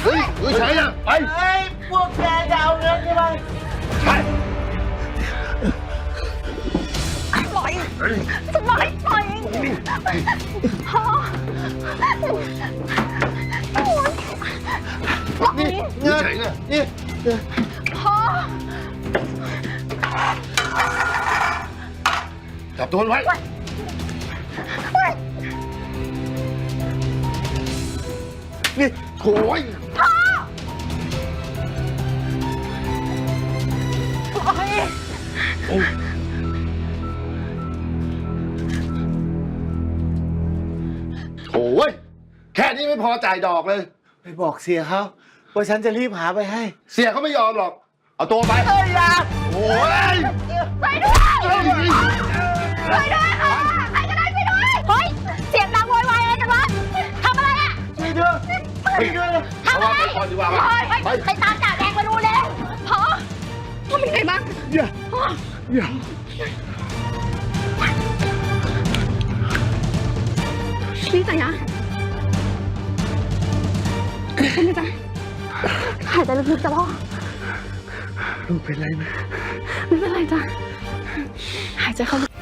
เฮ้ยใช่อะไปเฮ้ยพวกแกจะเอาเงินใช่ไหมใช่ปล่อยจะปล่อยพ่อปล่อยนี่เฉยเนี่ยนี่พ่อจับตัวมันไว้นี่โถ่ยพ่อปล่อยโถ่ยแค่นี้ไม่พอจ่ายดอกเลยไปบอกเสียเขาว่าฉันจะรีบหาไปให้เสียเขาไม่ยอมหรอก เอาตัวไปเฮ้ยอย่าโอ้ยไปด้วยไปด้วยค่ะใครก็ได้ไปด้วยเฮ้ยเสียงดังโวยวายอะไรกันวะทำอะไรอ่ะช่วยด้วยช่วยด้วยทำอะไรไปก่อนดีกว่าไปตามจ่าแดงมาดูเร็วพ่อเป็นไงบ้างอย่านี่จ่ายะเป็นไงจ๊ะหายใจลึกๆจ้ะพ่อลูกเป็นไรไหมไม่เป็นไรจ้ะหายใจเข้าลึก